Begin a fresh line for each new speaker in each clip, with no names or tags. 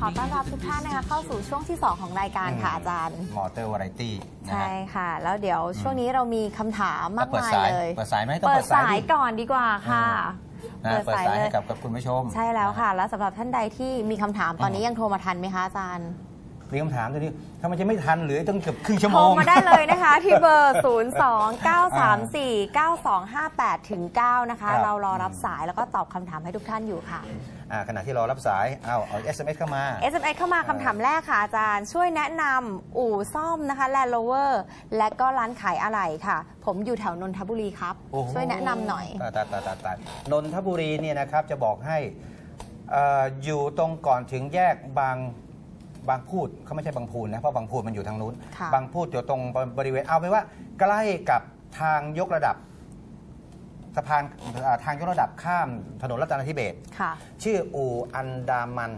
อต้อนรับทุกท่านนะคะเข้าสู่ช่วงที่ 2 ของรายการค่ะอาจารย์
มอเตอร์วาไรตี้
ใช่ค่ะแล้วเดี๋ยวช่วงนี้เรามีคำถามมากมายเลย
เปิดสายไหมต้อง
เปิดสายก่อนดีกว่าค่ะ
เปิดสายให้กับคุณผู้ชม
ใช่แล้วค่ะแล้วสำหรับท่านใดที่มีคำถามตอนนี้ยังโทรมาทันไหมคะอาจารย์
มีคำถามตัวนี้ทำไมจะไม่ทันหรือต้องเกือบครึ่งชั่วโมง
โทรมาได้เลยนะคะที่เบอร์ 029349258-9 นะคะเรารอรับสายแล้วก็ตอบคำถามให้ทุกท่านอยู่ค่ะ
ขณะที่รอรับสายเอา SMS เข้ามา
SMS เข้ามาคำถามแรกค่ะอาจารย์ช่วยแนะนำอู่ซ่อมนะคะ Land Rover และก็ร้านขายอะไหล่ค่ะผมอยู่แถวนนทบุรีครับช่วยแนะนำหน่อย
ตายนนทบุรีเนี่ยนะครับจะบอกให้อยู่ตรงก่อนถึงแยกบางพูดเขาไม่ใช่บางพูนนะเพราะบางพูนมันอยู่ทางนู้นบางพูดอยู่ตรงบริเวณเอาไปว่าใกล้กับทางยกระดับสะพานทางยกระดับข้ามถนนรัตนทิเบศชื่ออู่อันดามัน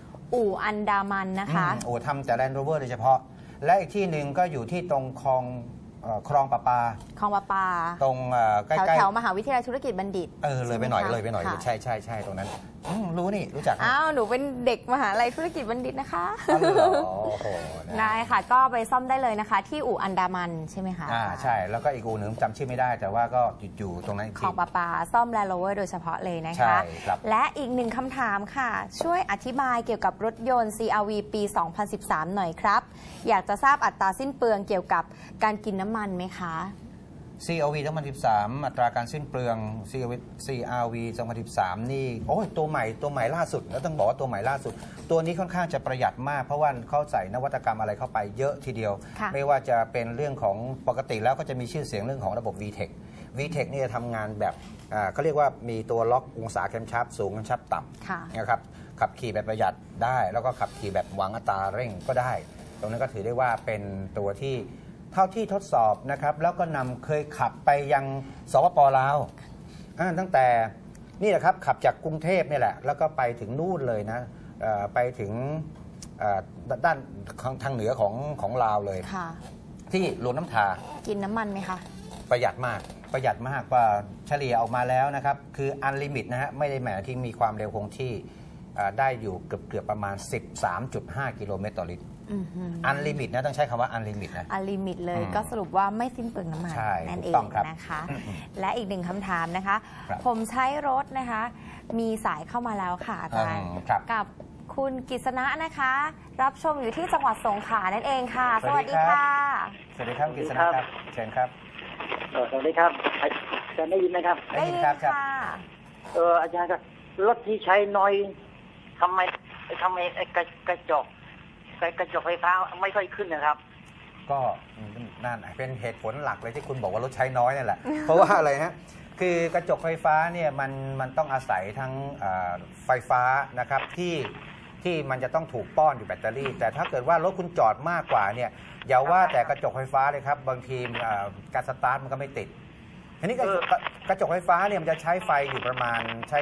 นะคะอู่ทำแต่ Land Rover โดยเฉพาะและอีกที่หนึ่งก็อยู่ที่ตรงคลองประปาตรงใกล้
แถวมหาวิทยาลัยธุรกิจบัณฑิต
เลยไปหน่อยใช่ตรงนั้นรู้นี่รู้จัก
หนูเป็นเด็กมหาลัยธุรกิจบัณฑิตนะคะได้ค่ะก็ไปซ่อมได้เลยนะคะที่อู่อันดามันใช่ไหมคะ
ใช่แล้วก็อีกอู่หนึ่งจำชื่อไม่ได้แต่ว่าก็อยู่ตรงนั้น
คลองประปาซ่อม Land Rover โดยเฉพาะเลยนะคะและอีกหนึ่งคำถามค่ะช่วยอธิบายเกี่ยวกับรถยนต์ CR-V ปี 2013 หน่อยครับอยากจะทราบอัตราสิ้นเปลืองเกี่ยวกับการกินน้ำมันไหมคะ
CR-V 2013อัตราการสิ้นเปลือง CR-V 2013นี่โอ้ยตัวใหม่ล่าสุดแล้วต้องบอกว่าตัวใหม่ล่าสุดตัวนี้ค่อนข้างจะประหยัดมากเพราะว่าเขาใส่นวัตกรรมอะไรเข้าไปเยอะทีเดียวไม่ว่าจะเป็นเรื่องของปกติแล้วก็จะมีชื่อเสียงเรื่องของระบบ VTEC นี่จะทำงานแบบเขาเรียกว่ามีตัวล็อกองศาแคมชับสูงแคมชับต่ำนะครับขับขี่แบบประหยัดได้แล้วก็ขับขี่แบบหวังอัตราเร่งก็ได้ตรงนั้นก็ถือได้ว่าเป็นตัวที่เท่าที่ทดสอบนะครับแล้วก็เคยขับไปยังสปป.ลาวตั้งแต่นี่แหละครับขับจากกรุงเทพนี่แหละแล้วก็ไปถึงนู่นเลยนะไปถึงด้านทางเหนือของลาวเลยที่หลวงน้ำทา
กินน้ำมันไหมคะ
ประหยัดมากกว่าเฉลี่ยออกมาแล้วนะครับคืออันลิมิตนะฮะไม่ได้หมายที่มีความเร็วคงที่ได้อยู่เกือบประมาณ 13.5 กิโลเมตรต่อลิตรอันลิมิตนะต้องใช้คำว่าอันลิมิตนะ
อันลิมิตเลยก็สรุปว่าไม่สิ้นเปลืองน้ำมันนั่นเองนะคะและอีกหนึ่งคำถามนะคะผมใช้รถนะคะมีสายเข้ามาแล้วค่ะอาจารย์กับคุณกฤษณะนะคะรับชมอยู่ที่จังหวัดสงขลานั่นเองค่ะสวัสดีค่ะ
สวัสดีครับกฤษณะครับเชิญครับ
สวัสดีครับอาจารย์ได้ยินไหมครับ
ได้ยินค่ะ
อาจารย์ครับรถที่ใช้น้อยทำไมกระจกไฟฟ้าไม่ค่อยขึ้นนะครับ
ก็นั่นเป็นเหตุผลหลักเลยที่คุณบอกว่ารถใช้น้อยนี่แหละเพราะว่าอะไรฮะคือกระจกไฟฟ้าเนี่ยมันต้องอาศัยทั้งไฟฟ้านะครับที่มันจะต้องถูกป้อนอยู่แบตเตอรี่แต่ถ้าเกิดว่ารถคุณจอดมากกว่าเนี่ยอย่าว่าแต่กระจกไฟฟ้าเลยครับบางทีการสตาร์ทมันก็ไม่ติดทีนี้กระจกไฟฟ้าเนี่ยมันจะใช้ไฟประมาณ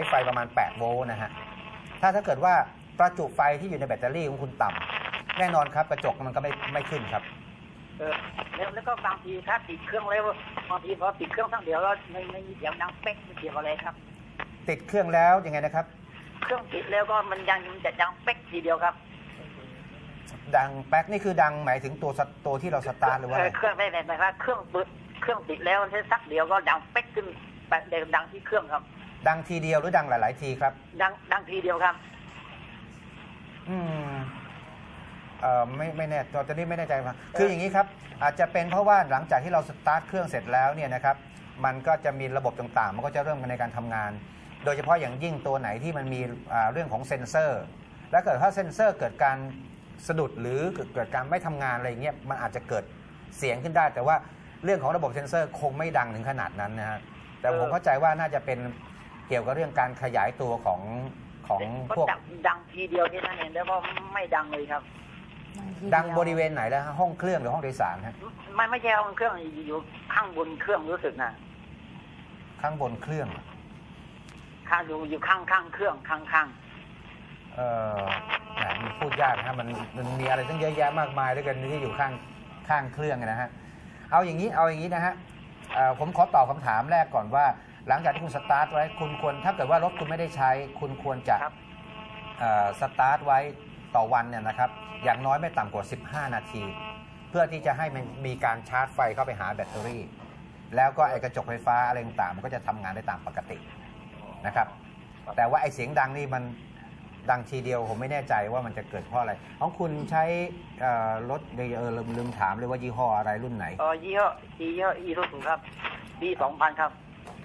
8 โวลต์นะฮะถ้าเกิดว่าประจุไฟที่อยู่ในแบตเตอรี่ของคุณต่ำแน่นอนครับกระจกมันก็ไม่ขึ้นครับ
แล้วก็บางทีถ้าติดเครื่องแล้วบางทีพอติดเครื่องทั้งเดียวแล้วไม่มีเสียงดังเป๊กไม่เกี่ยวอะไรครับ
ติดเครื่องแล้วยังไงนะครับ
เครื่องติดแล้วก็มันจะดังเป๊กทีเดียวครับ
ดังแป๊กนี่คือดังหมายถึงตัวที่เราสตาร์ทหรือว่า
เครื่องไม่หมายว่าเครื่องติดแล้วแค่สักเดียวก็ดังเป๊กขึ้นดังที่เครื่องครับ
ดังทีเดียวหรือดังหลายๆทีครับ
ดังทีเดียวครับ
ไม่แน่ตอนนี้ไม่แน่ใจว่าคืออย่างนี้ครับอาจจะเป็นเพราะว่าหลังจากที่เราสตาร์ทเครื่องเสร็จแล้วเนี่ยนะครับมันก็จะมีระบบต่างๆมันก็จะเริ่มในการทำงานโดยเฉพาะอย่างยิ่งตัวไหนที่มันมีเรื่องของเซ็นเซอร์และเกิดถ้าเซ็นเซอร์เกิดการสะดุดหรือเกิดการไม่ทำงานอะไรเงี้ยมันอาจจะเกิดเสียงขึ้นได้แต่ว่าเรื่องของระบบเซ็นเซอร์คงไม่ดังถึงขนาดนั้นนะฮะแต่ผมเข้าใจว่าน่าจะเป็นเกี่ยวกับเรื่องการขยายตัวของพวก
ดังทีเดียวแค่นั้นเองแล้วก็ไม่ดังเลยครับ
ดังบริเวณไหนแล้วห้องเครื่องหรือห้องโดยสารฮะ
ไม่ใช่ห้องเครื่องอยู่ข้างบนเครื่องรู้สึกนะ
ข้างบนเครื่อง
อยู่ข้างเครื่องข้าง
มันพูดยากนะมันมีอะไรตั้งเยอะแยะมากมายด้วยกันที่อยู่ข้างเครื่องนะฮะเอาอย่างนี้นะฮะผมขอตอบคำถามแรกก่อนว่าหลังจากที่คุณสตาร์ทไว้คุณควรถ้าเกิดว่ารถคุณไม่ได้ใช้คุณควรจะสตาร์ทไว้ต่อวันเนี่ยนะครับอย่างน้อยไม่ต่ำกว่า15 นาที เพื่อที่จะให้มันมีการชาร์จไฟเข้าไปหาแบตเตอรี่แล้วก็ไอ้กระจกไฟฟ้าอะไรต่างๆมันก็จะทำงานได้ตามปกตินะครับแต่ว่าไอ้เสียงดังนี่มันดังทีเดียวผมไม่แน่ใจว่ามันจะเกิดเพราะอะไรของคุณใช้รถลืมถามเลยว่ายี่ห้ออะไรรุ่นไหน
ยี่ห้ออีซูซูครับปี 2000 ครับ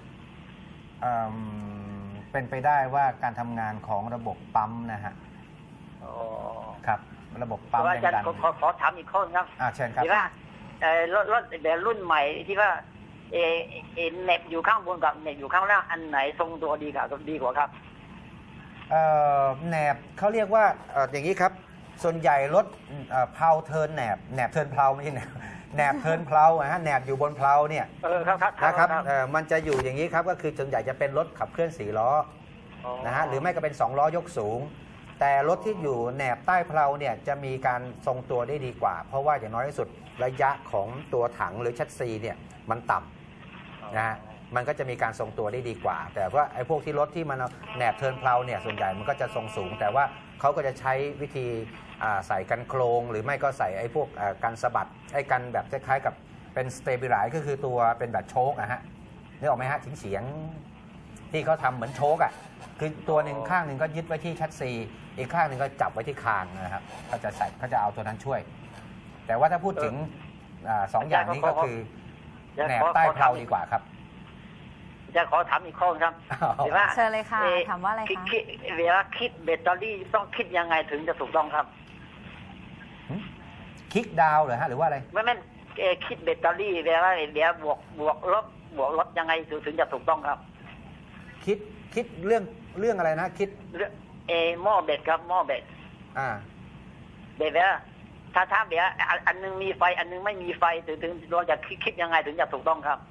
เป็นไปได้ว่าการทำงานของระบบปั๊มนะฮะครับระบบปั๊ม
อาจารย์ขอถามอีกข้อครับ
เชิญครับ
ที่ว่ารถแบบรุ่นใหม่ที่ว่าเน็บอยู่ข้างบนกับเน็บอยู่ข้างล่างอันไหนทรงตัวดีกว่าครับ
แหนบเขาเรียกว่าอย่างนี้ครับส่วนใหญ่รถเพลาเทิร์นแหนบเทิร์นเพลาไม่ใช่แหนบเทิร์นเพลาฮะแหนบอยู่บนเพลาเนี่ยนะครับมันจะอยู่อย่างนี้ครับก็คือส่วนใหญ่จะเป็นรถขับเคลื่อน4 ล้อนะฮะหรือไม่ก็เป็น2 ล้อยกสูงแต่รถที่อยู่แหนบใต้เพลาเนี่ยจะมีการทรงตัวได้ดีกว่าเพราะว่าอย่างน้อยที่สุดระยะของตัวถังหรือชัดซีเนี่ยมันต่ำนะฮะมันก็จะมีการทรงตัวได้ดีกว่าแต่ว่าไอ้พวกที่รถที่มันแหนบเทิร์นเพลาเนี่ยส่วนใหญ่มันก็จะทรงสูงแต่ว่าเขาก็จะใช้วิธีใส่กันโครงหรือไม่ก็ใส่ไอ้พวกกันสะบัดไอ้กันแบบคล้ายๆกับเป็นสเตเบลไลซ์ก็คือตัวเป็นแบบโชคอะฮะนึกออกไหมฮะเฉียงที่เขาทำเหมือนโชคอะคือตัวหนึ่งข้างหนึ่งก็ยึดไว้ที่ชัดซีอีกข้างหนึ่งก็จับไว้ที่คางนะครับเขาจะเอาตัวนั้นช่วยแต่ว่าถ้าพูดถึง2 อย่างนี้ก็คือแหนบใต้เพลาดีกว่าครับ
จะขอถามอีกข้อครับ
เชิญเลยค่ะถามว่าอะไรคะ
เวลาคิดแบตเตอรี่ต้องคิดยังไงถึงจะถูกต้องครับ
คลิกดาวเหรอฮะหรือว่าอะไร
ไม่คิดแบตเตอรี่เวลาบวกลบยังไงถึงจะถูกต้องครับ
คิดเรื่องอะไรนะคิด
หม้อแบตครับหม้อแบตเดี๋ยวถ้าเดี๋ยวอันนึงมีไฟอันนึงไม่มีไฟถึงเราจะคิดยังไงถึงจะถูกต้องครับ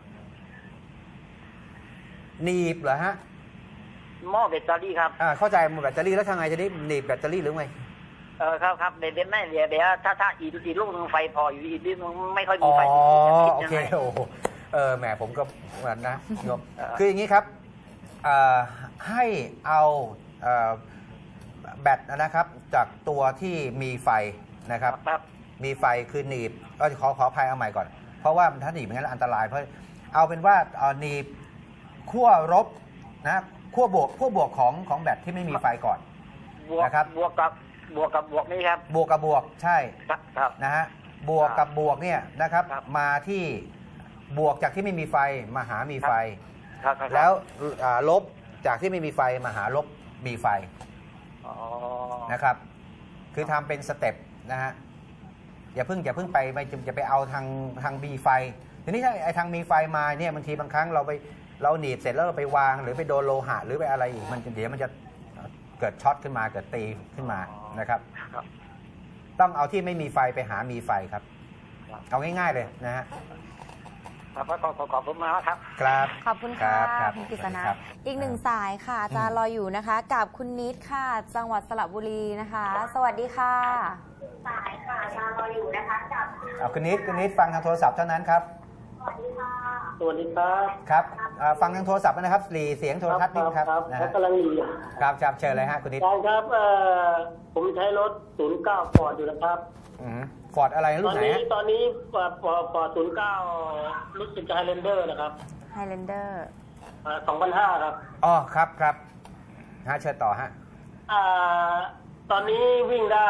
หนีบเหรอฮะ
หม้อแบตเตอรี่ครับ
เข้าใจหม้อแบตเตอรี่แล้วทางไงจะได้หนีบแบตเตอรี่หรือไง
ครับเดี๋ยวไม่เดี๋ยวถ้าอีกลูกนึงไฟพออยู่อีกลูกนึงไม่ค่อยมีไฟ
โอเคโอ้แหมผมก็เหมือนนะคืออย่างนี้ครับให้เอาแบตนะครับจากตัวที่มีไฟนะครับมีไฟคือหนีบขออภัยเอาใหม่ก่อนเพราะว่าถ้าหนีบอย่างนั้นอันตรายเพราะเอาเป็นว่าหนีบขั้วลบนะขั้วบวกของแบตที่ไม่มีไฟก่อนนะครับ
บวกกับบวกนี่ครับ
บวกกับบวกใช่นะฮะบวกกับบวกเนี่ยนะครับมาที่บวกจากที่ไม่มีไฟมาหามีไฟแล้วลบจากที่ไม่มีไฟมาหาลบมีไฟนะครับคือทำเป็นสเต็ปนะฮะอย่าเพิ่งไปเอาทางมีไฟทีนี้ถ้าไอ้ทางมีไฟมาเนี่ยบางทีบางครั้งเราหนีบเสร็จแล้วเราไปวางหรือไปโดนโลหะหรือไปอะไรอีกเดี๋ยวมันจะเกิดช็อตขึ้นมาเกิดตีขึ้นมานะครับต้องเอาที่ไม่มีไฟไปหามีไฟครับเอาง่ายๆเลยนะฮะ
ขอบคุณมากครับ
ครับ
ขอบคุณค่ะคุณกฤษณะอีก1 สายค่ะอาจารย์รออยู่นะคะกับคุณนิดค่ะจังหวัดสระบุรีนะคะสวัสดีค่ะ
สายค่ะอาจารย์รออยู่นะคะกับ
คุณนิดฟังทางโทรศัพท์เท่านั้นครับ
สวัสดีค่ะ
สวัสดีครับ
ครับฟังทางโทรศัพท์นะครับหลีเสียงโทรทัศน์นิดครับ
นะกำลังหลี
ครับเชิญเลยฮะคุณนิด
ครับผมใช้รถ09 ฟอร์ดอยู่นะครับ
ฟอร์ดอะไรรุ่นไหน
ตอนนี้ฟอร์ด09รู้สึกจะไฮแลนเดอร์นะครับ
ไฮแลนเดอร์
2005ครับ
ครับเชิญต่อฮะ
ตอนนี้วิ่งได้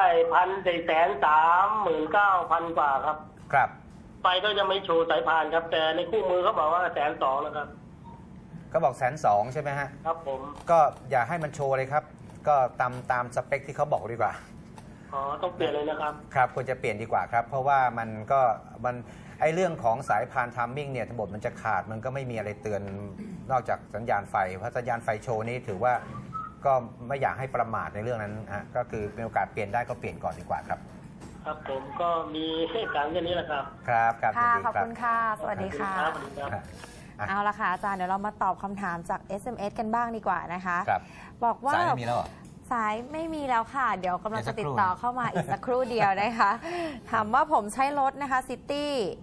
1,439,000 กว่าครับ
ครับ
ไฟก็ยังไม่โชว์สายพานครับแต่ในคู่มือเขาบอกว่า120,000นะครับ
ก็บอก120,000ใช่ไหมฮะ
ครับผม
ก็อย่าให้มันโชว์เลยครับก็ตามสเปคที่เขาบอกดีกว่า
ต้องเปลี่ยนเลยนะครับ
ครับควรจะเปลี่ยนดีกว่าครับเพราะว่ามันไอเรื่องของสายพานทัมมิ่งเนี่ยทั้งหมดมันจะขาดมันก็ไม่มีอะไรเตือนนอกจากสัญญาณไฟเพราะสัญญาณไฟโชว์นี้ถือว่าก็ไม่อยากให้ประมาทในเรื่องนั้นก็คือมีโอกาสเปลี่ยนได้ก็เปลี่ยนก่อนดีกว่าครับ
ครับผมก็มีเหตุการณ์แค่นี้แหละครับ
ครับ
ค่ะขอบคุณค่ะสวัสดีค่ะเอาละค่ะอาจารย์เดี๋ยวเรามาตอบคำถามจาก SMS กันบ้างดีกว่านะคะบอกว่า
สายไม่มีแล้ว
สายไม่มีแล้วค่ะ เดี๋ยวกำลังจะติดต่อเข้ามาอีกสักครู่เดียวนะคะถามว่าผมใช้รถนะคะ City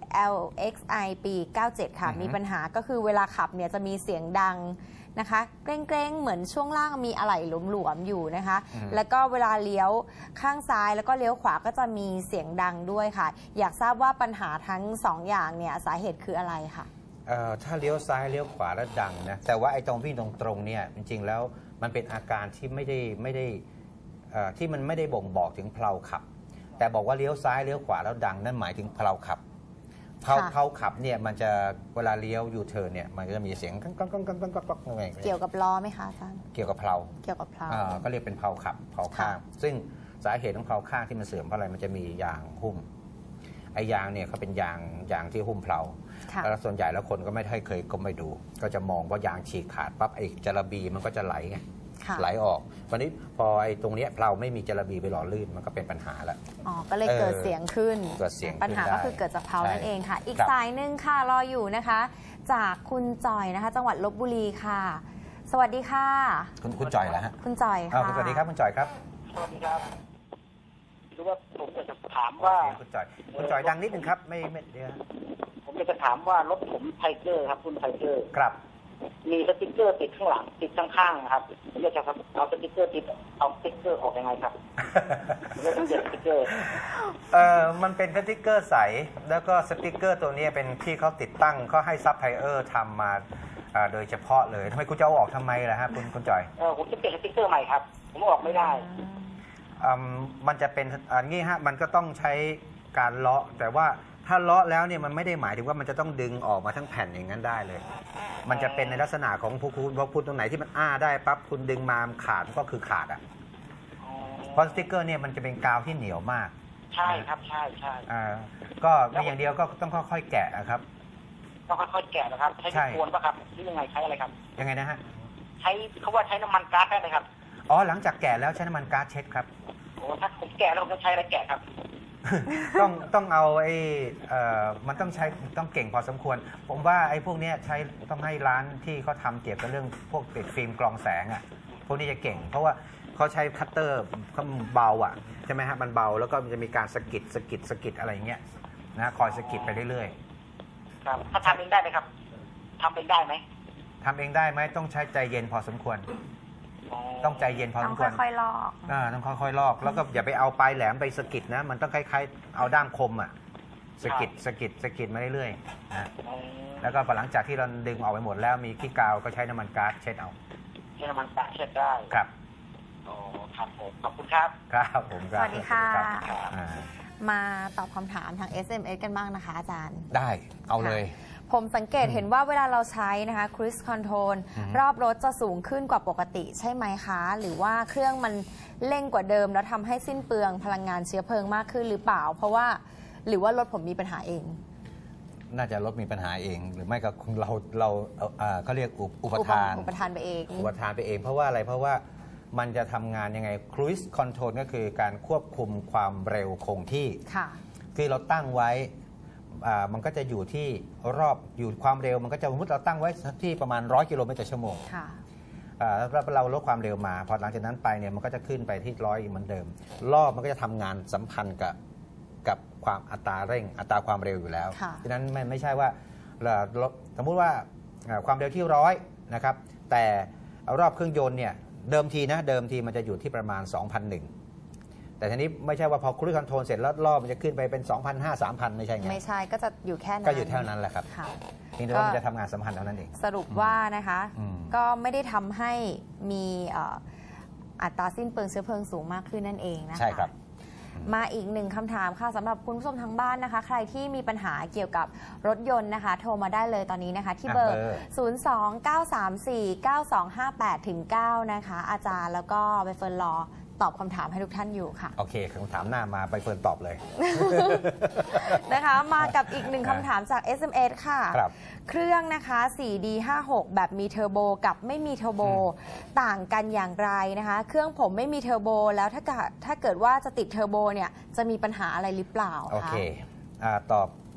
LXI ปี 97 ค่ะ มีปัญหาก็คือเวลาขับเนี่ยจะมีเสียงดังนะคะเกรงๆเหมือนช่วงล่างมีอะไหล่หลวมๆอยู่นะคะแล้วก็เวลาเลี้ยวข้างซ้ายแล้วก็เลี้ยวขวาก็จะมีเสียงดังด้วยค่ะอยากทราบว่าปัญหาทั้ง2อย่างเนี่ยสาเหตุคืออะไรค่ะ
ถ้าเลี้ยวซ้ายเลี้ยวขวาแล้วดังนะแต่ว่าไอ้ตรงวิ่งตรงๆเนี่ยจริงๆแล้วมันเป็นอาการที่ไม่ได้ที่มันไม่ได้บ่งบอกถึงเพลาขับแต่บอกว่าเลี้ยวซ้ายเลี้ยวขวาแล้วดังนั่นหมายถึงเพลาขับเพลาขับเนี่ยมันจะเวลาเลี้ยวยูเทิร์นเนี่ยมันจะมีเสียงกัง
เกี่ยวกับล้อไหมคะอาจารย์
เกี่ยวกับเพลาก็เรียกเป็นเพลาขับเพลาข้างซึ่งสาเหตุของเพลาข้างที่มันเสื่อมเพราะอะไรมันจะมียางหุ้มไอ้ยางเนี่ยเขาเป็นยางที่หุ้มเพลาแล้วส่วนใหญ่แล้วคนก็ไม่เคยก็ไม่ดูก็จะมองว่ายางฉีกขาดปั๊บไอ้จระบีมันก็จะไหลไงไหลออกวันนี้พอไอ้ตรงนี้เราไม่มีจระบีไปหล่อลื่นมันก็เป็นปัญหาแล้ว
ก็เลยเกิดเสียงขึ้นปัญหาก็คือเกิดจากเพลานั่นเองค่ะอีกสายหนึ่งค่ะรออยู่นะคะจากคุณจอยนะคะจังหวัดลพบุรีค่ะสวัสดีค่ะ
คุณจอยแล้วฮะ
คุณจอยค่ะ
สวัสดีครับคุณจอยครับ
สวัสดีครับคือว่าผมจะถามว่า
คุณจอยดังนิดนึงครับไม่เดี๋ยว
ผมจะถามว่ารถผมไทเกอร์ครับคุณไทเกอร์
ครับ
มีสติ๊กเกอร์ติดข้างหลังติดข้างๆครับเรียกจะครับเอาสติ๊กเกอร์ติดเอาสติ๊กเกอร์ออกยังไงครับเรียกต้องเปลี่ยนสติ๊กเกอร์
มันเป็นสติ๊กเกอร์ใสแล้วก็สติ๊กเกอร์ตัวนี้เป็นที่เขาติดตั้งเขาให้ซัพพลายเออร์ทำมาโดยเฉพาะเลยทำไมคุณจะเอาออกทำไมล่ะฮะคุณจอย
ผมจะเปลี่ยนสติ๊กเกอร์ใหม่ครับผมออกไม่ได้
มันจะเป็นงี้ฮะมันก็ต้องใช้การเลาะแต่ว่าถ้าเลาะแล้วเนี่ยมันไม่ได้หมายถึงว่ามันจะต้องดึงออกมาทั้งแผ่นอย่างนั้นได้เลยมันจะเป็นในลักษณะของพูดตรงไหนที่มันได้ปั๊บคุณดึงมาขาดก็คือขาดเพราะสติ๊กเกอร์เนี่ยมันจะเป็นกาวที่เหนียวมาก
ใช่ครับใช่
ก็มีอย่างเดียวก็ต้องค่อยๆแกะนะครับ
ต้องค่อยๆแกะนะครับใช้ควรป่ะครับหรือยังไงใช้อะไรครับ
ยังไงนะฮะ
ใช้เขาว่าใช้น้ำมันก๊าซได้ไหมครับ
หลังจากแกะแล้วใช้น้ำมันก๊าซเช็ดครับ
ถ้าผมแกะแล้วผมจะใช้อะไรแกะครับ
ต้องเอามันต้องเก่งพอสมควรผมว่าไอ้พวกนี้ใช้ต้องให้ร้านที่เขาทำเกี่ยวกับเรื่องพวกติดฟิล์มกรองแสงพวกนี้จะเก่งเพราะว่าเขาใช้คัตเตอร์เขาเบาใช่ไหมฮะมันเบาแล้วก็มันจะมีการสกิดอะไรอย่างเงี้ยนะคอยสกิดไปเรื่อย
ๆครับถ้าทำเองได้ไหมครับทำเองได้ไหม
ต้องใช้ใจเย็นพอสมควรต้องใจเย็นพอสมควร
ต้องค่อยๆลอก
ต้องค่อยๆลอกแล้วก็อย่าไปเอาปลายแหลมไปสกิดนะมันต้องคล้ายๆเอาด้ามคมสกิดมาเรื่อยๆนะแล้วก็พอหลังจากที่เราดึงออกไปหมดแล้วมีขี้กาวก็ใช้น้ำมันก๊าซเช็ดเอา
ใช้น้ำมันก๊าซเช็ดได้
ครับ
ครับผมขอบคุณครับ
ครับผม
สวัสดีค่ะมาตอบคำถามทาง SMS กันบ้างนะคะอาจารย์
ได้เอาเลย
ผมสังเกตเห็นว่าเวลาเราใช้นะคะ Cruise Control รอบรถจะสูงขึ้นกว่าปกติใช่ไหมคะหรือว่าเครื่องมันเร่งกว่าเดิมแล้วทำให้สิ้นเปลืองพลังงานเชื้อเพลิงมากขึ้นหรือเปล่าเพราะว่าหรือว่ารถผมมีปัญหาเอง
น่าจะรถมีปัญหาเองหรือไม่ก็เราเขาเรียกอุปทาน
ไปเอง
เพราะว่าอะไรเพราะว่ามันจะทำงานยังไง Cruise Control ก็คือการควบคุมความเร็วคงที่คือเราตั้งไว้มันก็จะอยู่ที่อยู่ความเร็วมันก็จะสมมติเราตั้งไว้ที่ประมาณ100 กิโลเมตรต่อชั่วโมงแล้วเราลดความเร็วมาพอหลังจากนั้นไปเนี่ยมันก็จะขึ้นไปที่100เหมือนเดิมรอบมันก็จะทำงานสัมพันธ์กับความอัตราเร่งอัตราความเร็วอยู่แล้วฉะนั้นไม่ใช่ว่าสมมุติว่าความเร็วที่100นะครับแต่รอบเครื่องยนต์เนี่ยเดิมทีมันจะอยู่ที่ประมาณ 2,001แต่ทีนี้ไม่ใช่ว่าพอ Cruise Control เสร็จแล้วรอบมันจะขึ้นไปเป็น 2,500 3,000 ไม่ใช่ไง
ไม่ใช่ก็จะอยู่แค่นั้น
ก็อยู่เท่านั้นแหละครับเพียงแต่ว่ามันจะทำงานสัมพันธ์เท่านั้นเอง
สรุปว่านะคะก็ไม่ได้ทำให้มีอัตราสิ้นเปลืองเชื้อเพลิงสูงมากขึ้นนั่นเองนะคะ
ใช่ครับ
มาอีกหนึ่งคำถามค่ะสำหรับคุณผู้ชมทางบ้านนะคะใครที่มีปัญหาเกี่ยวกับรถยนต์นะคะโทรมาได้เลยตอนนี้นะคะที่เบอร์ 029349258-9 นะคะอาจารย์แล้วก็ใบเฟิร์นรอตอบคำถามให้ทุกท่านอยู่ค่ะ
โอเคคำถามหน้ามาใบเฟิร์นตอบเลย
นะคะมากับอีกหนึ่งคำถามจาก SMS ค่ะเครื่องนะคะ 4D56 แบบมีเทอร์โบกับไม่มีเทอร์โบต่างกันอย่างไรนะคะเครื่องผมไม่มีเทอร์โบแล้วถ้าเกิดว่าจะติดเทอร์โบเนี่ยจะมีปัญหาอะไรหรือเปล่า
โอเคตอบ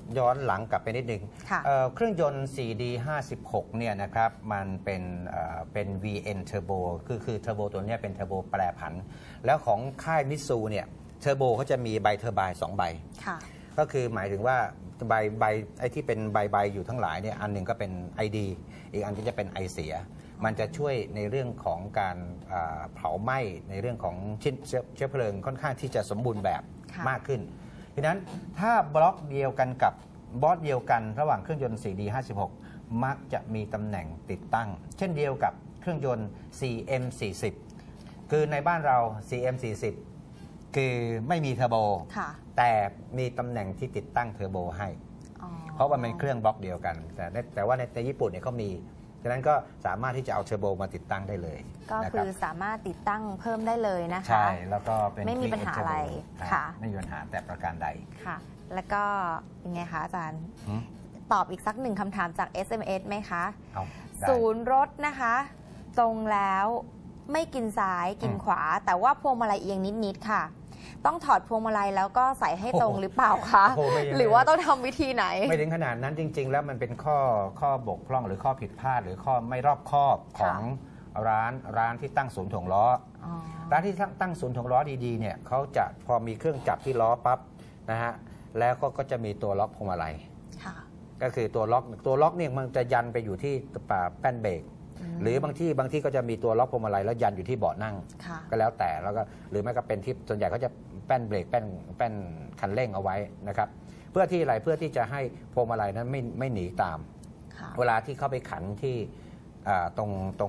ย้อนหลังกลับไปนิดนึงเครื่องยนต์ 4D 56เนี่ยนะครับมันเป็น VN Turbo คือเทอร์โบตัวนี้เป็นเทอร์โบแปรผันแล้วของค่ายมิตซูเนี่ยเทอร์โบเขาจะมีใบเทอร์ไบน์2 ใบก็คือหมายถึงว่าใบไอ้ที่เป็นใบอยู่ทั้งหลายเนี่ยอันหนึ่งก็เป็น ID อีกอันก็จะเป็นไอเสียมันจะช่วยในเรื่องของการเผาไหม้ในเรื่องของชิ้นเชื้อเพลิงค่อนข้างที่จะสมบูรณ์แบบมากขึ้นดังนั้นถ้าบล็อกเดียวกันกับบอสเดียวกันระหว่างเครื่องยนต์ 4D 56มักจะมีตำแหน่งติดตั้งเช่นเดียวกับเครื่องยนต์ 4M 40คือในบ้านเรา 4M 40คือไม่มีเทอร์โบแต่มีตำแหน่งที่ติดตั้งเทอร์โบให้เพราะว่ามันเป็นเครื่องบล็อกเดียวกันแต่ว่าในญี่ปุ่นเนี่ยเขามีฉะนั้นก็สามารถที่จะเอาเทอร์โบมาติดตั้งได้เลย
ก็คือสามารถติดตั้งเพิ่มได้เลยนะคะ
ใช่แล้วก็เป็น
ไม่มีปัญหาอะไรค่ะ
ไม่มีปัญหาแต่ประการใด
ค่ะแล้วก็ยังไงคะอาจารย์ตอบอีกสักหนึ่งคำถามจาก SMS ไหมคะศูนย์รถนะคะตรงแล้วไม่กินซ้ายกินขวาแต่ว่าพวงมาลัยเอียงนิดๆค่ะต้องถอดพวงมาลัยแล้วก็ใส่ให้ตรงหรือเปล่าคะหรือว่าต้องทำวิธีไหน
ไม่ถึงขนาดนั้นจริงๆแล้วมันเป็นข้อบกพร่องหรือข้อผิดพลาดหรือข้อไม่รอบคอบของร้านที่ตั้งศูนย์ถ่วงล้อร้านที่ตั้งศูนย์ถ่วงล้อดีๆเนี่ยเขาจะพอมีเครื่องจับที่ล้อปั๊บนะฮะแล้วก็จะมีตัวล็อกพวงมาลัยก็คือตัวล็อกเนี่ยมันจะยันไปอยู่ที่แป้นเบรกหรือบางที่ก็จะมีตัวล็อกพวงมาลัยแล้วยันอยู่ที่เบาะนั่งก็แล้วแต่แล้วก็หรือไม่ก็เป็นที่ส่วนใหญ่เขาจะแป้นเบรกแป้นคันเร่งเอาไว้นะครับเพื่อที่อะไรเพื่อที่จะให้พวงมาลัยนั้นไม่หนีตามเวลาที่เข้าไปขันที่ต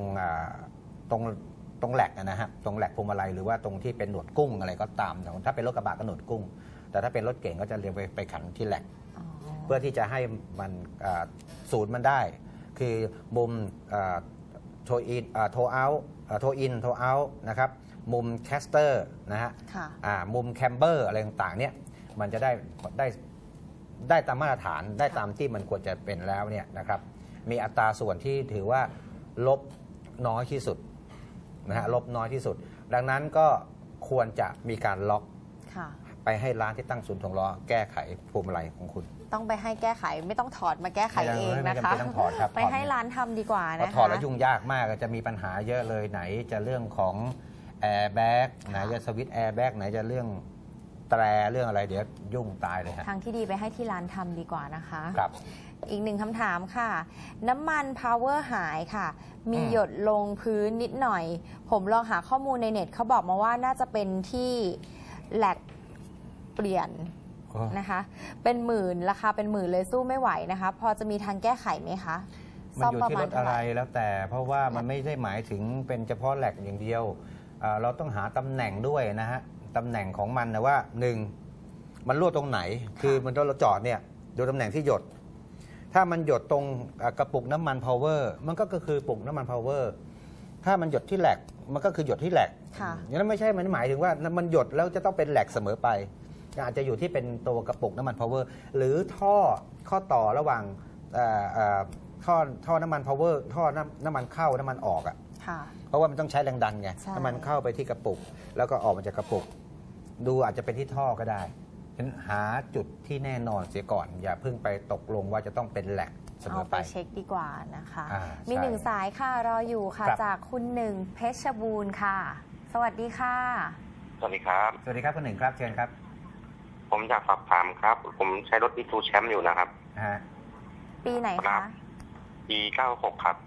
รงแหลกนะฮะตรงแหลกพวงมาลัยหรือว่าตรงที่เป็นหนวดกุ้งอะไรก็ตามถ้าเป็นรถกระบะก็หนวดกุ้งแต่ถ้าเป็นรถเก่งก็จะเรียงไปขันที่แหลกเพื่อที่จะให้มันศูนย์มันได้คือมุมโทอินโทเอาโทอินโทเอานะครับมุมแคสเตอร์นะฮะมุมแคมเบอร์อะไรต่างๆเนี่ยมันจะได้ตามมาตรฐานได้ตามที่มันควรจะเป็นแล้วเนี่ยนะครับมีอัตราส่วนที่ถือว่าลบน้อยที่สุดนะฮะลบน้อยที่สุดดังนั้นก็ควรจะมีการล็อกไปให้ร้านที่ตั้งศูนย์ถ่วงล้อแก้ไขพวงมาลัยของคุณ
ต้องไปให้แก้ไขไม่ต้องถอดมาแก้ไขเองนะคะไปให้ร้านทำดีกว่านะคะ
ถอดแล้วยุ่งยากมากจะมีปัญหาเยอะเลยไหนจะเรื่องของแอร์แบ็กไหนจะสวิตช์แอร์แบ็กไหนจะเรื่องแตรเรื่องอะไรเดี๋ยวยุ่งตายเลยฮะ
ทางที่ดีไปให้ที่ร้านทำดีกว่านะคะ
ครับ
อีกหนึ่งคำถามค่ะน้ำมันพาวเวอร์หายค่ะมีหยดลงพื้นนิดหน่อยผมลองหาข้อมูลในเน็ตเขาบอกมาว่าน่าจะเป็นที่แหลกเปลี่ยนนะคะเป็นหมื่นราคาเป็นหมื่นเลยสู้ไม่ไหวนะคะพอจะมีทางแก้ไขไหมคะ
มันอยู่ที่รถอะไรแล้วแต่เพราะว่ามันไม่ได้หมายถึงเป็นเฉพาะแหลกอย่างเดียวเราต้องหาตำแหน่งด้วยนะฮะตำแหน่งของมันนะว่า1มันรั่วตรงไหนคือมันเราจอดเนี่ยดูตำแหน่งที่หยดถ้ามันหยดตรงกระปุกน้ำมันพาวเวอร์มันก็คือปุกน้ำมันพาวเวอร์ถ้ามันหยดที่แหลกมันก็คือหยดที่แหลกอย่างนั้นไม่ใช่มันหมายถึงว่ามันหยดแล้วจะต้องเป็นแหลกเสมอไปอาจจะอยู่ที่เป็นตัวกระปุกน้ำมันพาวเวอร์หรือข้อต่อระหว่างท่อน้ำมันพาวเวอร์ท่อน้ำมันเข้าน้ำมันออกอ่ะเพราะว่ามันต้องใช้แรงดันไงน้ำมันเข้าไปที่กระปุกแล้วก็ออกมาจากกระปุกดูอาจจะเป็นที่ท่อก็ได้ฉะนั้นหาจุดที่แน่นอนเสียก่อนอย่าเพิ่งไปตกลงว่าจะต้องเป็นแหลกเสมอไป
เช็คดีกว่านะคะมีหนึ่งสายค่ะรออยู่ค่ะจากคุณหนึ่งเพชรบูรณ์ค่ะสวัสดีค่ะ
สวัสดีครับ
สวัสดีครับคุณหนึ่งครับเชิญครับ
ผมอยากสอบถามครับผมใช้รถมิตซูแชมป์อยู่นะครับ
ปีไหนคะ
ปี96ครับ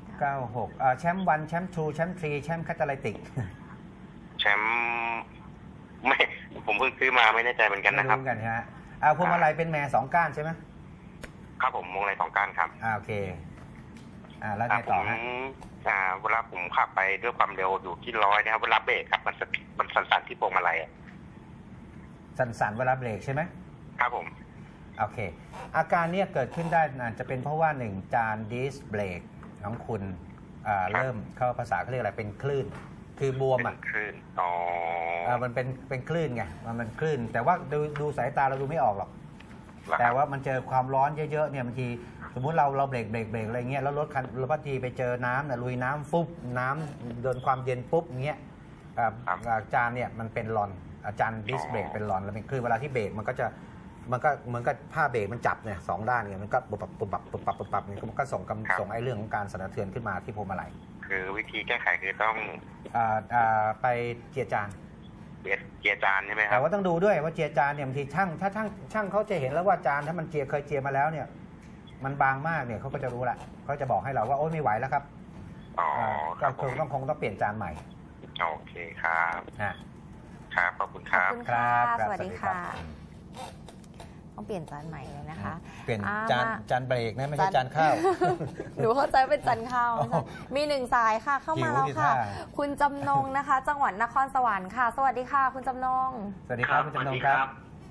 96แชมป์1แชมป์2แชมป์3แชมป์แคตาลิติก
แชมป์ไม่ผมเพิ่งซื้อมาไม่แน่ใจเหมือนกันนะครับ
ไม่รู้กันใช่ไหมพวงมาลัยเป็นแม่2ก้านใช่ไหม
ครับผมพวงมาลัย2ก้านครับ
โอเคแล้วไงต่อฮะ
เวลาผมขับไปด้วยความเร็วอยู่ที่100นะครับเวลาเบรกครับมันสั่นๆที่พวงมาลัย
สั่นๆเวลาเบรกใช่ไหม
ครับผม
โอเคอาการนี้เกิดขึ้นได้อาจจะเป็นเพราะว่า1จานดิสเบรกของคุณเริ่มเข้าภาษาเขาเรียกอะไรเป็นคลื่นคือบวม
อ่ะคลื่น
มันเป็นคลื่นไงมันคลื่นแต่ว่าดูสายตาเราดูไม่ออกหรอกแต่ว่ามันเจอความร้อนเยอะๆเนี่ยบางทีสมมุติเราเบรกอะไรเงี้ยแล้วรถบางทีไปเจอน้ำลุยน้ำฟุบน้ำโดนความเย็นปุ๊บเงี้ยจานเนี่ยมันเป็นรอนอาจารย์ดิสเบรกเป็นรอนแล้วเป็นคลื่นเวลาที่เบรกมันก็จะมันก็เหมือนกับผ้าเบรกมันจับเนี่ย2 ด้านเนี่ยมันก็ปับเนี่ยมันก็ส่งไอ้เรื่องของการสั่นสะเทือนขึ้นมาที่พวงมาลัย
คือวิธีแก้ไขคือต้อง
ไปเจียจาน
ใช่ไหมครับ
แต่ว่าต้องดูด้วยว่าเจียจานเนี่ยบางทีถ้าช่างเขาจะเห็นแล้วว่าจานถ้ามันเคยเจียมาแล้วเนี่ยมันบางมากเนี่ยเขาก็จะรู้ละเขาจะบอกให้เราว่าโอ๊ยไม่ไหวแล้วครับก็คงต้องเปลี่ยนจานใหม่
โอเคครับครับขอบคุณครับ
สวัสดีค่ะต้องเปลี่ยนจานใหม่เลยนะคะ
เปลี่ยนจานเบรกนะไม่ใช่จานข้าว
หนูเข้าใจเป็นจานข้าวมี1 สายค่ะเข้ามาแล้วค่ะคุณจำนงนะคะจังหวัดนครสวรรค์ค่ะสวัสดีค่ะคุณจำนง
สวัสดีครับคุณจำนงครับ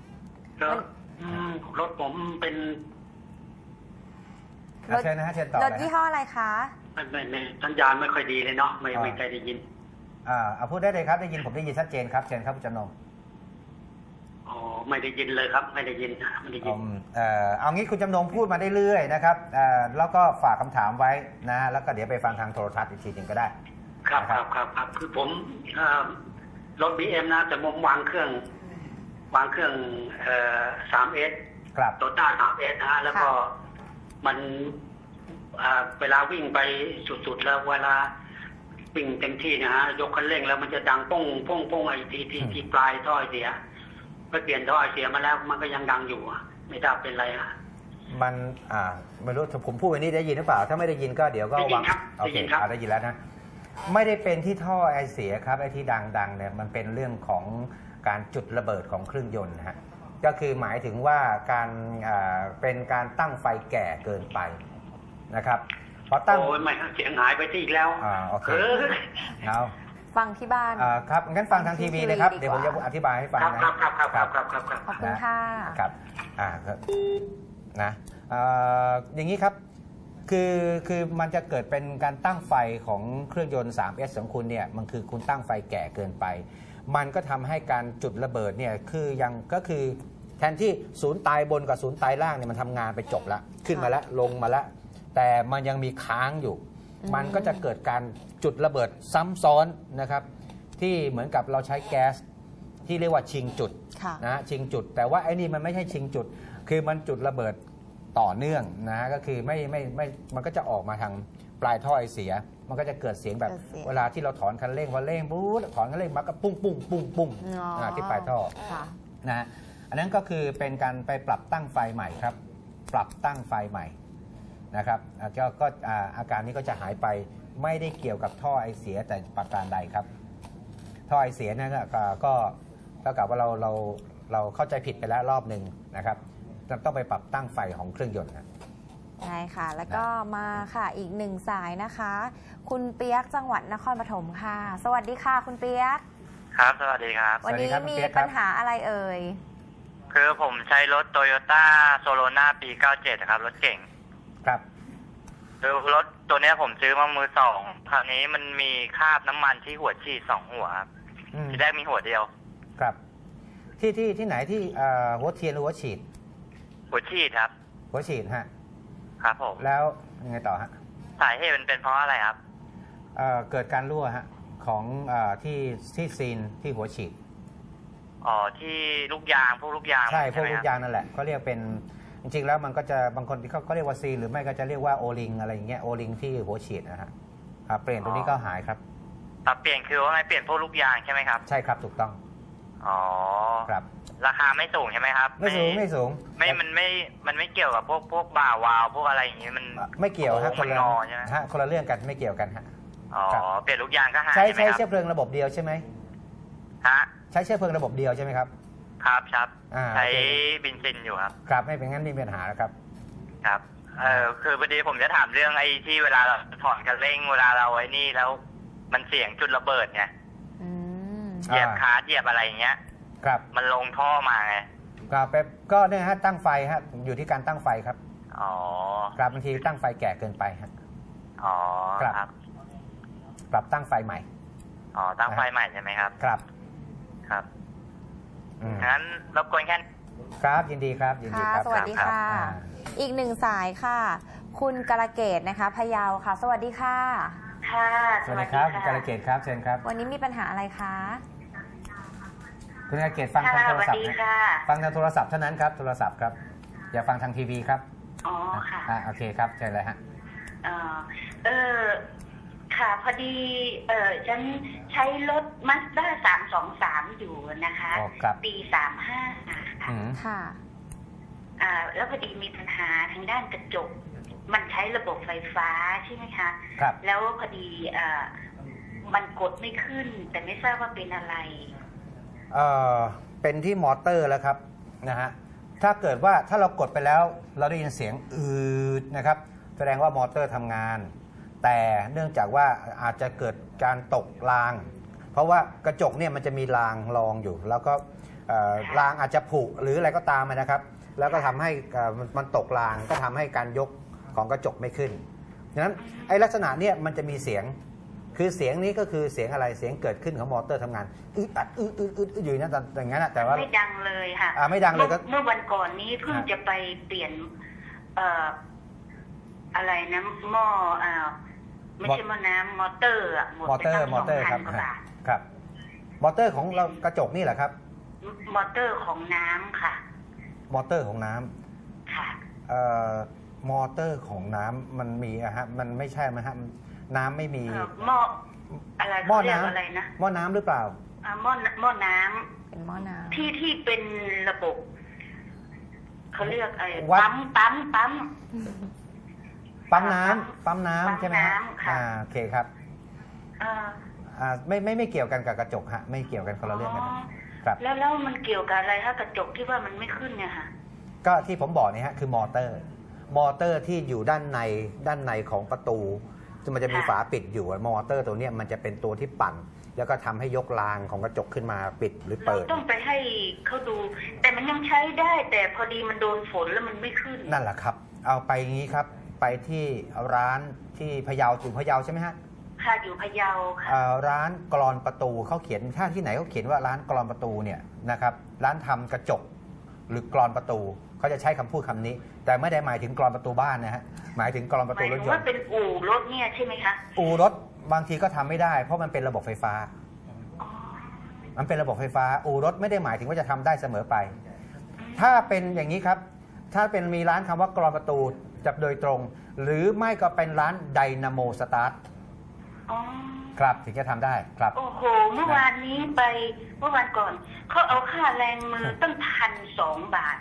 รถผมเป็น
เชิญนะฮะเชิญต่อ
รถยี่ห้ออะไรคะ
ไม่สัญญาณไม่ค่อยดีเลยเนาะไม่เคยได้ยิน
พูดได้เลยครับได้ยินผมได้ยินชัดเจนครับเชิญครับคุณจำนง
ไม่ได้ยินเลยครับไม่ได้ยิน
เอางี้คุณจำนงพูดมาได้เรื่อยนะครับแล้วก็ฝากคำถามไว้นะแล้วก็เดี๋ยวไปฟังทางโทรทัศน์อีกทีหนึ่งก็ได้
ครับคือผมรถ BM นะแต่ผมวางเครื่อง 3S
ครับ
โตต้า 3S นะแล้วก็มันเวลาวิ่งไปสุดๆแล้วเวลาวิ่งเต็มที่นะฮะยกคันเร่งแล้วมันจะดังป้งไอ้ที่ปลายท่อเสียไปเปลี่ยนท่อเสียมาแล้วมันก็ยังดังอยู่ไม่ทราบเป็นไรฮะ
มันไม่รู้ผมพูดวันนี้ได้ยินหรือเปล่าถ้าไม่ได้ยินก็เดี๋ยวก็วางโอเคได้ยินแล้วนะไม่ได้เป็นที่ท่อไอเสียครับไอที่ดังเนี่ยมันเป็นเรื่องของการจุดระเบิดของเครื่องยนต์นะฮะก็คือหมายถึงว่าการเป็นการตั้งไฟแก่เกินไปนะครับพอตั้ง
โอ้ยไม่เสียงหายไปที่อีกแล้ว
โอเคเอา
ฟังที่บ้าน
ครับงั้นฟังทางทีวีเลยครับเดี๋ยวผมจะอธิบายให้ฟัง
นะครับ
ขอบคุณค่ะ
ครับนะอย่างนี้ครับคือมันจะเกิดเป็นการตั้งไฟของเครื่องยนต์ 3S ของคุณเนี่ยมันคือคุณตั้งไฟแก่เกินไปมันก็ทำให้การจุดระเบิดเนี่ยก็คือแทนที่ศูนย์ตายบนกับศูนย์ตายล่างเนี่ยมันทำงานไปจบแล้วขึ้นมาแล้วลงมาแล้วแต่มันยังมีค้างอยู่มันก็จะเกิดการจุดระเบิดซ้ำซ้อนนะครับที่เหมือนกับเราใช้แก๊สที่เรียกว่าชิงจุดนะชิงจุดแต่ว่าไอ้นี่มันไม่ใช่ชิงจุดคือมันจุดระเบิดต่อเนื่องนะก็คือไม่มันก็จะออกมาทางปลายท่อไอเสียมันก็จะเกิดเสียงแบบเวลาที่เราถอนคันเร่งพอเร่งปุ๊บถอนคันเร่งมันก็ปุ้งที่ปลายท่อนะอันนั้นก็คือเป็นการไปปรับตั้งไฟใหม่ครับปรับตั้งไฟใหม่นะครับก็อาการนี้ก็จะหายไปไม่ได้เกี่ยวกับท่อไอเสียแต่ประการใดครับท่อไอเสียนั่นก็เท่ากับว่าเราเข้าใจผิดไปแล้วรอบหนึ่งนะครับต้องไปปรับตั้งไฟของเครื่องยนต์นะ
ใช่ค่ะแล้วก็มาค่ะอีก1 สายนะคะคุณเปียกจังหวัดนครปฐมค่ะสวัสดีค่ะคุณเปียก
ครับสวัสดีครับ
วันนี้มีปัญหาอะไรเอ่ย
คือผมใช้รถโตโยต้าโซโลนาปี97ครับรถเก่ง
ครับ
คือรถตัวนี้ผมซื้อมามือ2คราวนี้มันมีคราบน้ำมันที่หัวฉีด2 หัวครับที่แรกมีหัวเดียว
ครับที่ไหนที่หัวเทียนหรือหัวฉีด
หัวฉีดครับ
หัวฉีดฮะ
ครับผม
แล้วยังไงต่อฮะ
สาเหตุมันเป็นเพราะอะไรครับ
เกิดการรั่วฮะของที่ซีนที่หัวฉีด
ที่ลูกยางพวกลูกยาง
ใช่พวกลูกยางนั่นแหละเขาเรียกเป็นจริงๆแล้วมันก็จะบางคนที่เขาเรียกว่าซีหรือไม่ก็จะเรียกว่าโอลิงอะไรอย่างเงี้ยโอลิงที่หัวฉีดนะฮะเปลี่ยนตัวนี้ก็หายครับ
เปลี่ยนคือว่าไงเปลี่ยนพวกลูกยางใช่ไหมครับ
ใช่ครับถูกต้องครับ
ราคาไม่สูงใช่ไหมครับ
ไม่สูง
มันไม่เกี่ยวกับพวกบ่าวาวพวกอะไรอย่างเงี้ยมัน
ไม่เกี่ยวฮะคนละเรื่องกันไม่เกี่ยวกันฮะ
เปลี่ยนลูกยางก็หาย
ใช้เชื้อเพลิงระบบเดียวใช่ไหม
ฮะ
ใช้เชื้อเพลิงระบบเดียวใช่ไหมครับ
ครับใช้เบนซินอยู่ครับ
ครับไม่เป็นงั้นไม่มีปัญหาแล้วครับ
ครับคือพอดีผมจะถามเรื่องไอ้ที่เวลาเราถอนคันเร่งเวลาเราไอ้นี่แล้วมันเสี่ยงจุดระเบิดไงเหยียบคาเหยียบอะไรอย่างเงี้ย
ครับ
มันลงท่อมาไง
ครับก็เนี่ยฮะตั้งไฟฮะอยู่ที่การตั้งไฟครับครับบางทีตั้งไฟแก่เกินไปฮะ
ครับ
ปรับตั้งไฟใหม่
ตั้งไฟใหม่ใช่ไหมครับ
ครับ
งั้นรบกวนแค่
ครับยินดีครับยินดีครับ
สวัสดีค่ะอีก1 สายค่ะคุณกาลเกตนะคะพะเยาค่ะสวัสดีค่ะ
ค่ะ
สวัสดีครับคุณกาลเกตครับเชิญครับ
วันนี้มีปัญหาอะไรคะ
คุณกเกตฟังทางโทรศัพท์ฟังทางโทรศัพท์เท่านั้นครับโทรศัพท์ครับอย่าฟังทางทีวีครับ
อ๋อค่ะ
โอเคครับเชิญเลยฮะ
ค่ะพอดีฉันใช้รถ Mazda 323อยู่นะคะปี35
ค่ะ
แล้วพอดีมีปัญหาทางด้านกระจกมันใช้ระบบไฟฟ้าใช่ไหมคะ
ครับ
แล้วพอดีมันกดไม่ขึ้นแต่ไม่ทราบว่าเป็นอะไร
เป็นที่มอเตอร์แล้วครับนะฮะถ้าเกิดว่าถ้าเรากดไปแล้วเราได้ยินเสียงนะครับแสดงว่ามอเตอร์ทำงานแต่เนื่องจากว่าอาจจะเกิดการตกรางเพราะว่ากระจกเนี่ยมันจะมีรางรองอยู่แล้วก็รางอาจจะผุหรืออะไรก็ตามนะครับแล้วก็ทำให้มันตกรางก็ทำให้การยกของกระจกไม่ขึ้นดังนั้นไอ้ลักษณะเนี่ยมันจะมีเสียงคือเสียงนี้ก็คือเสียงอะไรเสียงเกิดขึ้นของมอเตอร์ทำงานอัดอยู่นั่นอย่างนั้นแต่ว่า
ไม่ดังเลยค่ะ
ไม่ดังเลยก็
เมื่อวันก่อนนี้เพิ่งจะไปเปลี่ยนอะไรนะหม้อไม่ใช่หม้อน้ำมอเตอร์หมดไปตั้ง2,000 กว่าบาท
ครับมอเตอร์ของเรากระจกนี่แหละครับ
มอเตอร์ของน้ำค่ะ
มอเตอร์ของน้
ำค่ะ
มอเตอร์ของน้ำมันมีฮะมันไม่ใช่ไหมฮะน้ำไม่มี
หม้ออะไร
หม้อน้ำ
อะไรนะ
หม้อน้ำหรือเปล่า
หม้อน้ำ
เป็นหม้อน้
ำที่เป็นระบบเขาเรียกปั๊ม
น้ำใช่ไหมฮะโอเคครับไม่เกี่ยวกันกับกระจกฮะไม่เกี่ยวกันคนละเรื่องกันครับ
แล้วมันเกี่ยวกับอะไรฮะกระจกที่ว่ามันไม่ขึ้นเนี่ยค่ะ
ก็ที่ผมบอกนี่ฮะคือมอเตอร์ที่อยู่ด้านในของประตูมันจะมีฝาปิดอยู่มอเตอร์ตัวนี้มันจะเป็นตัวที่ปั่นแล้วก็ทำให้ยกรางของกระจกขึ้นมาปิดหรือเปิด
ต้องไปให้เขาดูแต่มันยังใช้ได้แต่พอดีมันโดนฝนแล้วมันไม่ขึ้น
นั่นแหละครับเอาไปงี้ครับไปที่ร้านที่พะเยาอยู่พะเยาใช่ไหมฮะ
ค่ะอยู่พะเยาค่ะ
ร้านกลอนประตูเขาเขียนถ้าที่ไหนเขาเขียนว่าร้านกลอนประตูเนี่ยนะครับร้านทำกระจกหรือกลอนประตูเขาจะใช้คำพูดคำนี้แต่ไม่ได้หมายถึงกลอนประตูบ้านนะฮะหมายถึงกลอนประตูรถยนต์
ว่าเป็นอู่รถเนี่ยใช่ไหมคะ
อู่รถบางทีก็ทำไม่ได้เพราะมันเป็นระบบไฟฟ้ามันเป็นระบบไฟฟ้าอู่รถไม่ได้หมายถึงว่าจะทำได้เสมอไปถ้าเป็นอย่างนี้ครับถ้าเป็นมีร้านคำว่ากลอนประตูจับโดยตรงหรือไม่ก็เป็นร้านไดนาโมสตาร์ทครับถึงจะทำได้ครับ
โอ้โหเมื่อวานนี้ไปเมื่อวานก่อนเขาเอาค่าแรงมือตั้ง1,200 บาท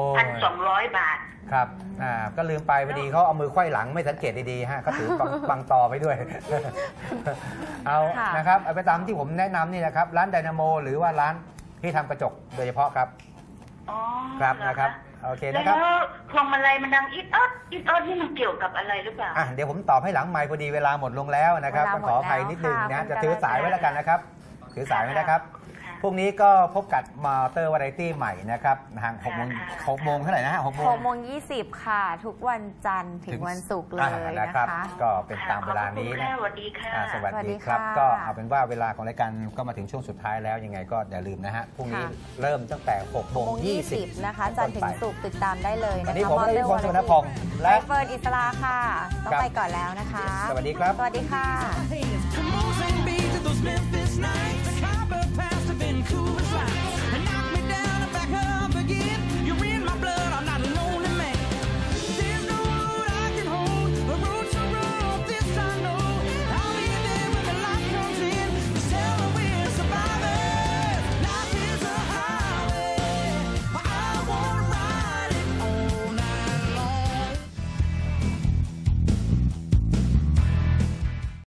1,200 บาท
ครับก็ลืมไปพอดีเขาเอามือไขว้หลังไม่สังเกตดีๆฮะเขาถือบังตอไปด้วยเอานะครับเอาไปตามที่ผมแนะนำนี่นะครับร้านไดนาโมหรือว่าร้านที่ทำกระจกโดยเฉพาะครับครับนะครับโอเคนะครับ
แล้วพวงมาลัยมันดังอิดออดนี่มันเกี่ยวกับอะไรหรือเปล่า
เดี๋ยวผมตอบให้หลังไมค์พอดีเวลาหมดลงแล้วนะครับขออภัยนิดนึงนะจะถือสายไว้แล้วกันนะครับถือสายไว้นะครับพรุ่งนี้ก็พบกับมอเตอร์วาไรตี้ใหม่นะครับทาง6 โมงเท่าไหร่นะฮะ
6:20ค่ะทุกวันจันทร์ถึงวันศุกร์เลยนะคะ
ก็เป็นตามเวลานี้นะ
สวัสดีค่ะ
สวัสดีครับก็เอาเป็นว่าเวลาของรายการก็มาถึงช่วงสุดท้ายแล้วยังไงก็อย่าลืมนะฮะพรุ่งนี้เริ่มตั้งแต่6:20
นะคะจันทร์ถึงศุกร์ติดตามได้เลยนะคะ
วันนี้ผมได้พลสุวรรณพงษ์
และเฟิร์นอิสราค่ะต้องไปก่อนแล้วนะคะ
สวัสดีครับ
สวัสดีค่ะ